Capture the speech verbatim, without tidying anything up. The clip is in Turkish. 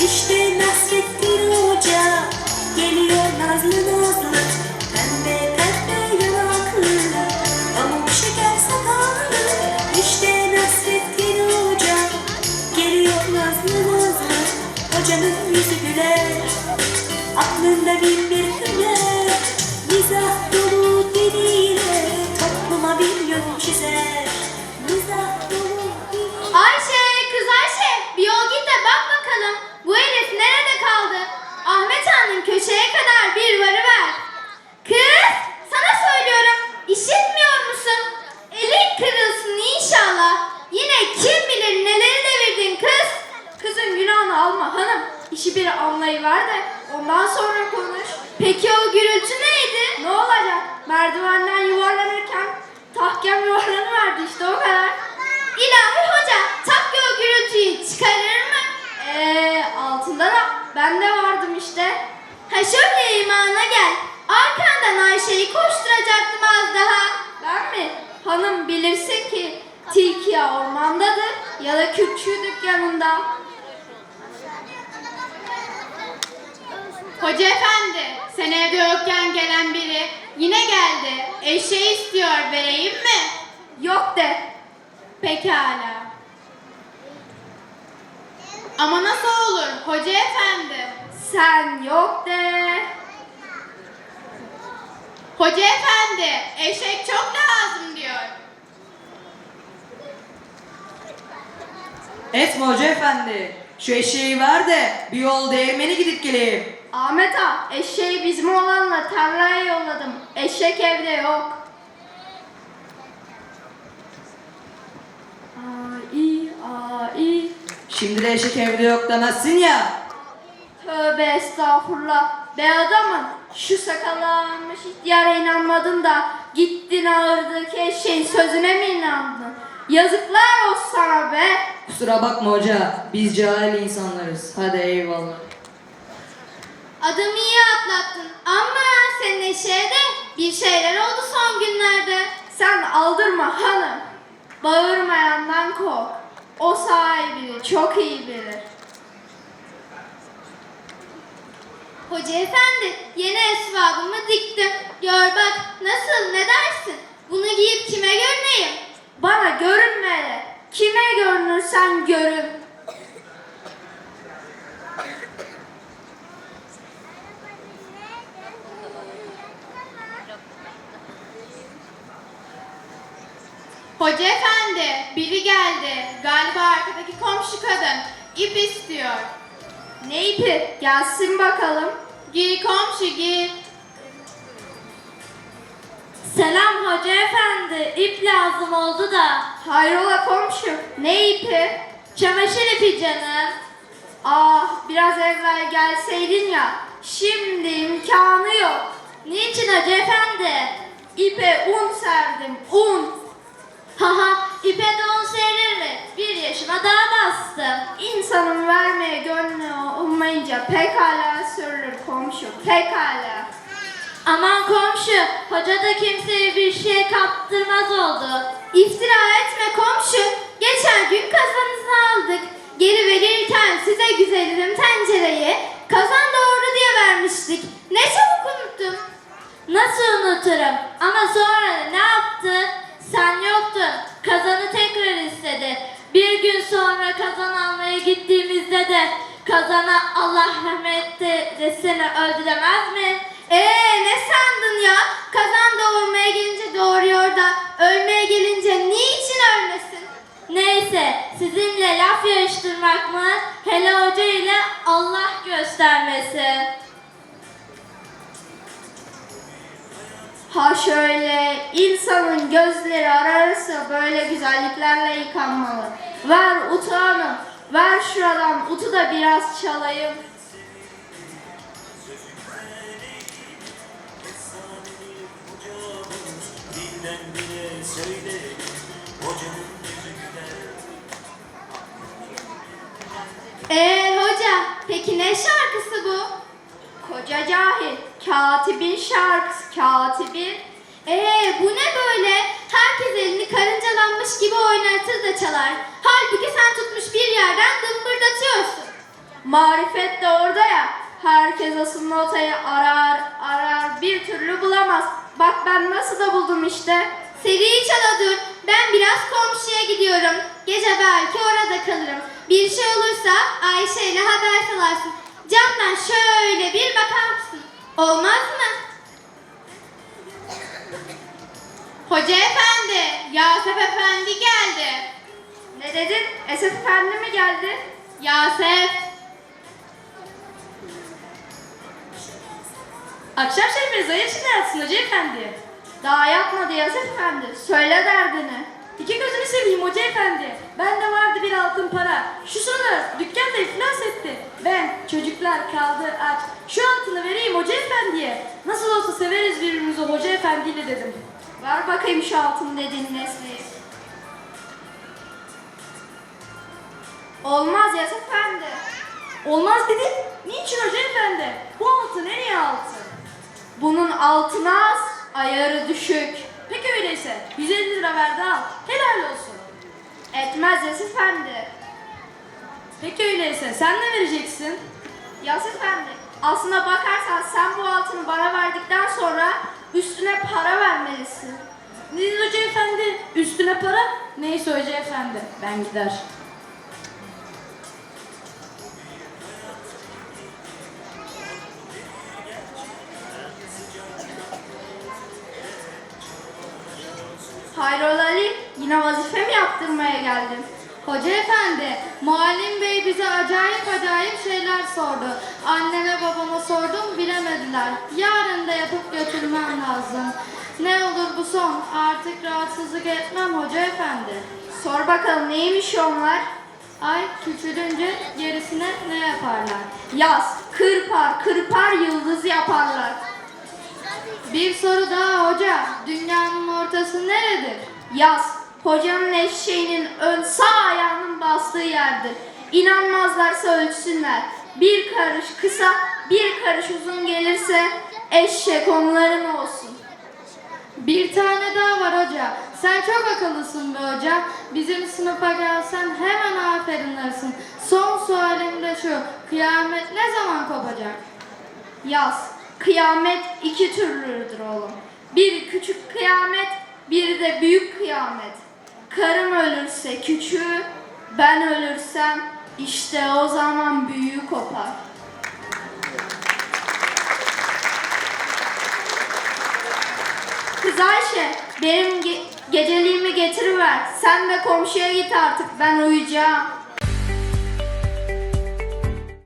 İşte Nasrettin Hoca geliyor nazlı nazlı, pembe pembe yanaklı, pamuk şeker sakallı. İşte Nasrettin Hoca geliyor nazlı nazlı, hocanın yüzü güler, aklında bin bir hüner, mizah dolu diliyle topluma bir yol çizer. Mizah dolu diliyle. Ayşe, kız Ayşe, bir yol git de bak bakalım. Bu herif nerede kaldı? Ahmet Han'ın köşeye kadar bir varıver. Kız, sana söylüyorum. İşitmiyor musun? Elin kırılsın inşallah. Yine kim bilir neleri devirdin kız. Kızın günahını alma hanım. İşi bir anlayıver de ondan sonra konuş. Peki o gürültü neydi? Ne olacak? Merdivenden yuvarlanırken tahkem yuvarlanıverdi işte o kadar. İlahi hoca, takki o gürültüyü çıkarır mı? Eee altında da ben de vardım işte. Ha şöyle imana gel. Arkandan Ayşe'yi koşturacaktım az daha. Ben mi? Hanım bilirsin ki tilki ya ormandadır ya da kürkçü dükkanında. Hoca efendi, sen evde yokken gelen biri yine geldi. Eşeği istiyor, vereyim mi? Yok de. Pekala. Ama nasıl olur hoca efendi? Sen yok de. Hoca efendi, eşek çok lazım diyor. Etme hoca efendi. Şu eşeği ver de bir yol değirmeni gidip geleyim. Ahmet ağa, eşeği bizim oğlanla tarlaya yolladım. Eşek evde yok. Ai, ai. Şimdi de eşek evde yok demezsin ya. Tövbe estağfurullah. Be adamın şu sakallanmış ihtiyara inanmadın da gittin ağırdaki eşeğin sözüne mi inandın? Yazıklar olsun sana be. Kusura bakma hoca. Biz cahil insanlarız. Hadi eyvallah. Adamı iyi atlattın ama senin eşeğe de bir şeyler oldu son günlerde. Sen aldırma hanım. Bağırmayandan kork. O sahibini çok iyi bilir. Hoca efendi, yeni esvabımı diktim. Gör bak nasıl, ne dersin? Bunu giyip kime görüneyim? Bana görünme. Kime görünürsen görün. Hoca efendi, biri geldi. Galiba arkadaki komşu kadın. İp istiyor. Ne ipi? Gelsin bakalım. Gir komşu gir. Selam hoca efendi. İp lazım oldu da. Hayrola komşu? Ne ipi? Çamaşır ipi canım. Ah biraz evvel gelseydin ya. Şimdi imkanı yok. Niçin hoca efendi? İpe un serdim. Un. Haha ipe de un serir mi? Bir yaşıma daha bastım. İnsanın vermeye gönlü olmayınca pekala sürülür komşu. Pekala. Aman komşu, hoca da kimseye bir şey kaptırmaz oldu. İftira etme komşu, geçen gün kazanınızı aldık. Geri verirken size güzelim tencereyi kazan doğru diye vermiştik. Ne çabuk unuttum. Nasıl unuturum? Ama sonra ne yaptı? Sen yoktun, kazanı tekrar istedi. Bir gün sonra kazan almaya gittiğimizde de kazana Allah rahmet desene öldü demez mi? Eee ne sandın ya? Kazan doğurmaya gelince doğuruyor da ölmeye gelince niçin ölmesin? Neyse sizinle laf yarıştırmak mı? Hele hoca ile Allah göstermesin. Ha şöyle insanın gözleri ararsa böyle güzelliklerle yıkanmalı. Ver utu hanım, ver şuradan utu da biraz çalayım. Ee hoca, peki ne şarkısı bu? Koca cahil, katibin şarkısı, katibin. Ee bu ne böyle? Herkes elini karıncalanmış gibi oynatır da çalar. Halbuki sen tutmuş bir yerden dımbırdatıyorsun. Marifet de orada ya. Herkes asıl notayı arar arar bir türlü bulamaz. Bak ben nasıl da buldum işte. Seri çala dur. Ben biraz komşuya gidiyorum. Gece belki orada kalırım. Bir şey olursa Ayşe ile haber salarsın. Camdan şöyle bir bakar mısın? Olmaz mı? Hoca efendi, Yasef efendi geldi. Ne dedin? Esef Efendi mi geldi? Yasef. Akşam şerifiniz hayır şimdi yatsın Hoca Efendi. Daha yatmadı Esef Efendi. Söyle derdini. İki gözünü seveyim Hoca Efendi. Bende vardı bir altın para. Şu sıralar dükkan da iflas etti. Ben çocuklar kaldı aç. Şu altını vereyim Hoca Efendi'ye. Nasıl olsa severiz birbirimizi Hoca Efendi'yle dedim. Ver bakayım şu altın dediğin nesneyi. Olmaz Yasef Efendi. Olmaz dedin. Niçin Hoca Efendi? Bu altın en iyi altın. Bunun altını az, ayarı düşük. Peki öyleyse yüz elli lira ver de al. Helal olsun. Etmez Yasef Efendi. Peki öyleyse sen ne vereceksin? Yasef Efendi, aslına bakarsan sen bu altını bana verdikten sonra üstüne para vermelisin. Ne dedin Hoca Efendi? Üstüne para? Neyse Hoca Efendi, ben gider. Hayrola Ali, yine vazife mi yaptırmaya geldin? Hoca efendi, muallim bey bize acayip acayip şeyler sordu. Anneme babama sordum, bilemediler. Yarın da yapıp götürmem lazım. Ne olur bu son, artık rahatsızlık etmem hoca efendi. Sor bakalım neymiş onlar? Ay küçülünce gerisine ne yaparlar? Yaz, kırpar, kırpar yıldız yaparlar. Bir soru daha hoca, dünyanın ortası neredir? Yaz, hocanın eşeğinin ön sağ ayağının bastığı yerdir. İnanmazlarsa ölçsünler. Bir karış kısa, bir karış uzun gelirse eşek onların olsun. Bir tane daha var hoca. Sen çok akıllısın be hoca. Bizim sınıfa gelsen hemen aferin dersin. Son sualim de şu. Kıyamet ne zaman kopacak? Yaz, kıyamet iki türlüdür oğlum. Bir küçük kıyamet, bir de büyük kıyamet. Karım ölürse küçüğü, ben ölürsem işte o zaman büyüğü kopar. Kız Ayşe, benim ge- geceliğimi getiriver. Sen de komşuya git artık, ben uyuyacağım.